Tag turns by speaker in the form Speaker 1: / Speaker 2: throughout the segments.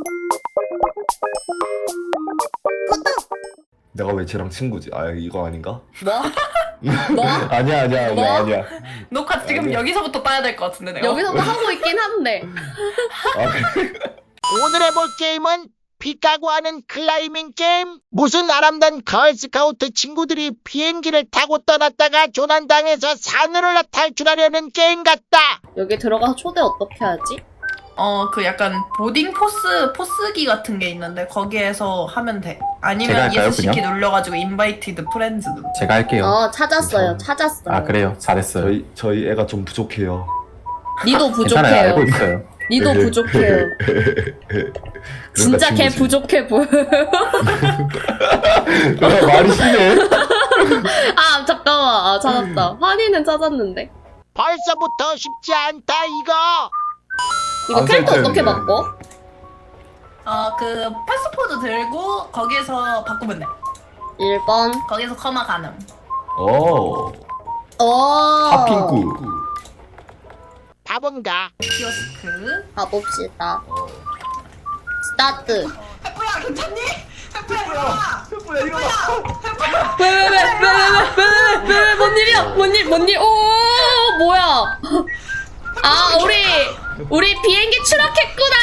Speaker 1: 내가 왜 쟤랑 친구지? 아 이거 아닌가?
Speaker 2: 뭐? 뭐?
Speaker 1: 아니야
Speaker 2: 뭐?
Speaker 1: 아니야.
Speaker 3: 녹화 지금
Speaker 1: 아니야.
Speaker 3: 여기서부터 따야 될 것 같은데 내가.
Speaker 2: 여기서도 하고 있긴 한데.
Speaker 1: 아 그래?
Speaker 4: 오늘 해볼 게임은 피카고 하는 클라이밍 게임. 무슨 아람단 걸스카우트 친구들이 비행기를 타고 떠났다가 조난당해서 산으로 탈출하려는 게임 같다.
Speaker 2: 여기 들어가서 초대 어떻게 하지?
Speaker 3: 그 약간 보딩 포스기 같은 게 있는데 거기에서 하면 돼.
Speaker 5: 제가
Speaker 3: 아니면
Speaker 5: 할까요,
Speaker 3: ESC키
Speaker 5: 그냥?
Speaker 3: 눌러가지고 인바이티드 프렌즈 눌러.
Speaker 5: 제가 할게요.
Speaker 2: 찾았어요. 찾았어요.
Speaker 5: 아 그래요? 잘했어요.
Speaker 1: 저희 애가 좀 부족해요.
Speaker 2: 니도
Speaker 5: 괜찮아요. 알고
Speaker 2: 부족해요.
Speaker 5: 있어요.
Speaker 2: 니도 부족해요. 진짜 걔
Speaker 1: 친구지.
Speaker 2: 부족해 보여.
Speaker 1: 말이 심해.
Speaker 2: 아 잠깐만. 찾았다. 환희는 찾았는데.
Speaker 4: 벌써부터 쉽지 않다 이거.
Speaker 2: 이거
Speaker 1: 안
Speaker 2: 캐릭터
Speaker 1: 살
Speaker 2: 어떻게
Speaker 1: 텐데.
Speaker 2: 바꿔?
Speaker 3: 그 패스포드 들고 거기에서 바꾸면 돼.
Speaker 2: 1번.
Speaker 3: 거기서 커마 가능.
Speaker 1: 오. 핫핑구.
Speaker 4: 바본가.
Speaker 3: 키오스크.
Speaker 2: 가봅시다. 스타트.
Speaker 3: 해프야 괜찮니? 해프야 일어나.
Speaker 1: 셰프야 이거
Speaker 2: 왜, 뭔 일이야? 뭔 일? 오, 뭐야? 아, 우리 비행기 추락했구나.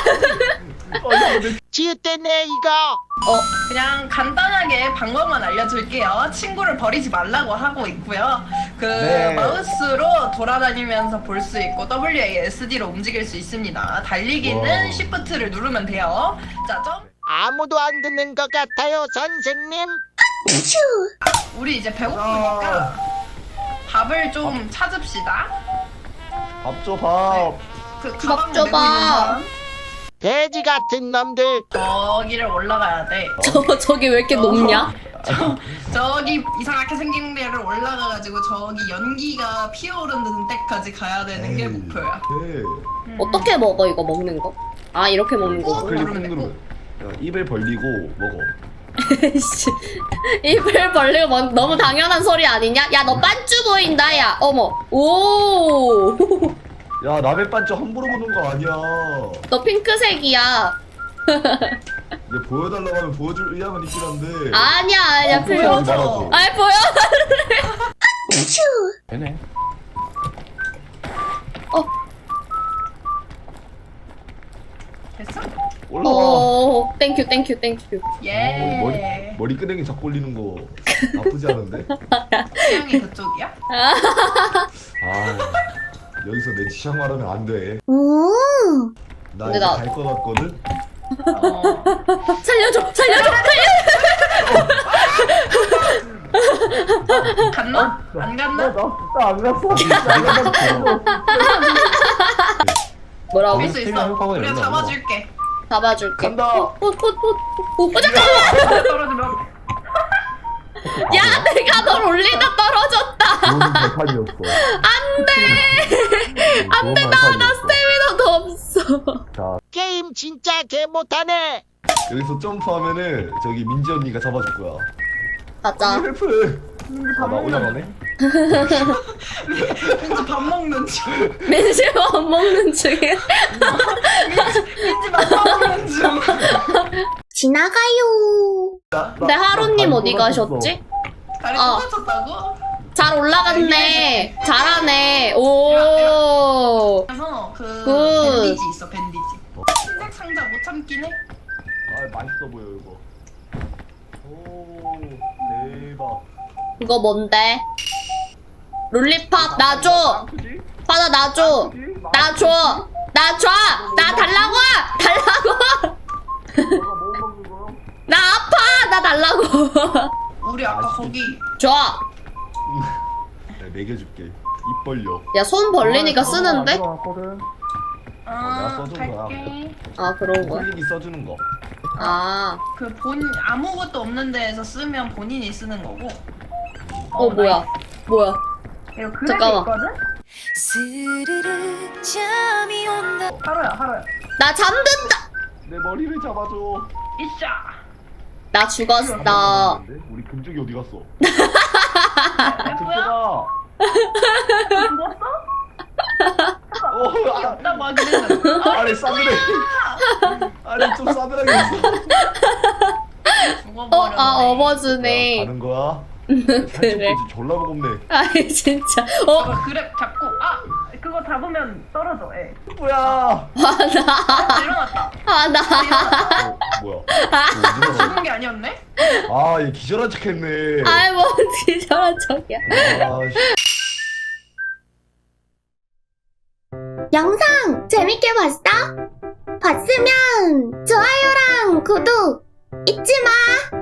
Speaker 4: 지읒대네 이거.
Speaker 3: 그냥 간단하게 방법만 알려줄게요. 친구를 버리지 말라고 하고 있고요.
Speaker 1: 네.
Speaker 3: 마우스로 돌아다니면서 볼 수 있고 WASD로 움직일 수 있습니다. 달리기는
Speaker 1: 와.
Speaker 3: Shift를 누르면 돼요. 자,
Speaker 4: 아무도 안 듣는 것 같아요 선생님.
Speaker 3: 우리 이제 배고프니까 밥을 좀 찾읍시다.
Speaker 1: 밥줘 밥.
Speaker 3: 그
Speaker 2: 밥
Speaker 3: 가방
Speaker 2: 줘봐.
Speaker 3: 메고 있는 사람
Speaker 4: 돼지 같은 놈들.
Speaker 3: 저기를 올라가야 돼.
Speaker 2: 저기 왜 이렇게 높냐?
Speaker 3: 저기 이상하게 생긴 데를 올라가가지고 저기 연기가 피어오르는 데까지 가야 되는 게 목표야.
Speaker 1: 네.
Speaker 2: 어떻게 먹어 이거 먹는 거? 아, 이렇게 먹는 거.
Speaker 1: 클릭
Speaker 3: 누르면 돼,
Speaker 1: 누르면. 야, 입을 벌리고 먹어.
Speaker 2: 씨, 입을 벌리고 너무 당연한 소리 아니냐? 야, 너 빤쭈 보인다, 야. 어머. 오.
Speaker 1: 야 남의 반쪽 함부로 보는 거 아니야.
Speaker 2: 너 핑크색이야.
Speaker 1: 이제 보여달라고 하면 보여줄 의향은 있긴 한데.
Speaker 2: 아니야, 필요
Speaker 1: 보여주지
Speaker 2: 없어.
Speaker 1: 말아줘.
Speaker 2: 아이, 보여.
Speaker 5: 되네.
Speaker 3: 됐어?
Speaker 1: 올라와.
Speaker 2: 오, 땡큐.
Speaker 3: 예.
Speaker 1: 머리끄댕이 잡고 올리는 거 나쁘지 않은데?
Speaker 3: 취향이 그쪽이야?
Speaker 1: 아 여기서 내 취향 말하면 안 돼. 나
Speaker 2: 근데
Speaker 1: 이제
Speaker 2: 나-
Speaker 1: 갈 것 같거든?
Speaker 2: 살려줘.
Speaker 3: 갔나? 안 갔나?
Speaker 1: 나안 갔어.
Speaker 2: 뭐라고?
Speaker 3: 할 수 있어.
Speaker 5: 생각하고
Speaker 3: 우리가
Speaker 5: 있는
Speaker 3: 잡아줄게.
Speaker 2: 잡아줄게.
Speaker 1: 간다.
Speaker 2: 잠깐만.
Speaker 3: 떨어지면
Speaker 2: 야, 내가 널 올리다 떨어졌다.
Speaker 1: 좋은 발판이었어. 안돼.
Speaker 2: 나 스태미나도 없어.
Speaker 1: 자
Speaker 4: 게임 진짜 개 못하네.
Speaker 1: 여기서 점프하면은 저기 민지 언니가 잡아줄 거야.
Speaker 2: 가자.
Speaker 1: 헬프. 아, 나 올라가네.
Speaker 3: 민지 밥 먹는 중.
Speaker 2: 민지 밥 먹는 중에.
Speaker 3: 민지 밥 먹는 중.
Speaker 2: 지나가요. 근데 하루님 어디 가셨지?
Speaker 3: 다리
Speaker 2: 어.
Speaker 3: 똑같았다고?
Speaker 2: 잘 올라갔네. 잘하네. 오.
Speaker 3: 그래서 그
Speaker 2: 굿.
Speaker 3: 밴디지 있어 밴디지. 흰색 상자 못 참긴 해.
Speaker 1: 아 맛있어 보여 이거. 오 대박.
Speaker 2: 이거 뭔데? 롤리팝 놔줘. 받아 놔줘. 놔줘. 나 달라고. 나 아파. 나 달라고.
Speaker 3: 우리 아까 거기
Speaker 2: 줘.
Speaker 1: 내가 먹여줄게. 입 벌려.
Speaker 2: 야, 손 벌리니까 쓰는데?
Speaker 1: 내가 써준 거야.
Speaker 3: 갈게.
Speaker 2: 아, 그런 거야?
Speaker 1: 콜릭이 써주는 거.
Speaker 2: 아.
Speaker 3: 그 아무것도 없는 데에서 쓰면 본인이 쓰는 거고.
Speaker 2: 뭐야? 뭐야?
Speaker 3: 이거 그래도
Speaker 2: 잠깐만.
Speaker 3: 있거든?
Speaker 6: 스르르 잠이 온다.
Speaker 3: 하루야.
Speaker 2: 나 잠든다.
Speaker 1: 내 머리를 잡아줘.
Speaker 3: 이샤.
Speaker 2: 나 죽었어.
Speaker 1: 우리 금쪽이 어디 갔어?
Speaker 3: 해프야?
Speaker 1: 금쪽아.
Speaker 3: 죽었어?
Speaker 1: 어,
Speaker 3: 없다고 하긴 했는데.
Speaker 1: 아래 싸늘해. 아니 좀 싸늘하게 했어.
Speaker 3: 죽어버렸네.
Speaker 2: 업어주네.
Speaker 1: 가는 거야?
Speaker 2: 그래.
Speaker 1: 졸라 무겁네.
Speaker 2: 아이 진짜.
Speaker 3: 그거 그랩 잡고 그거 잡으면 떨어져. 예.
Speaker 1: 뭐야?
Speaker 3: 일어났다.
Speaker 2: 나.
Speaker 1: 뭐야?
Speaker 3: 죽은 게 아니었네?
Speaker 1: 아얘 기절한 척했네.
Speaker 2: 아이 뭐 저런 척이야.
Speaker 1: 아씨.
Speaker 2: 영상 재밌게 봤어? 봤으면 좋아요랑 구독 잊지 마.